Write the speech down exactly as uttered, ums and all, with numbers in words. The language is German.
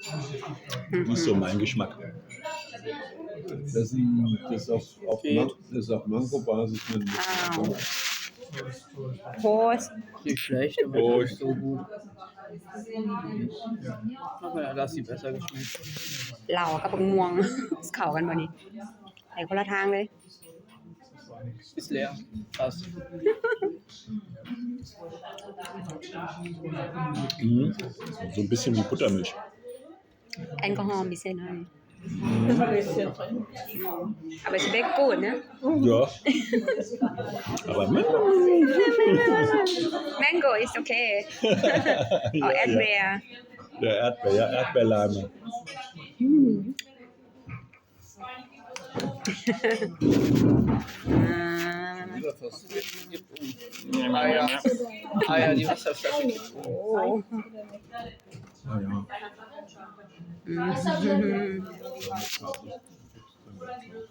Nicht so mein Geschmack. Das ist, ein, das ist auf, auf, Man, das ist auf Mango-Basis. Wow. Prost. Nicht schlecht, aber Oh, nicht so gut. Aber ja, das sieht besser geschmeckt. เหล่ากับบักม่วง เข้ากันบ่นี่ไปคนละทางเลย Ist leer. Fast. Mhm. So ein bisschen wie Buttermilch. แอลกอฮอล์มีเส้นให้ Ein bisschen drin. aber es schmeckt gut ne Ja. Aber mit. Mango ist okay oh Ja, Erdbeer Der Erdbeer, ja, Erdbeerlime. Ah ja. Ah ja, die Wasserflasche geht hoch. oh Ah, ja. Mhm.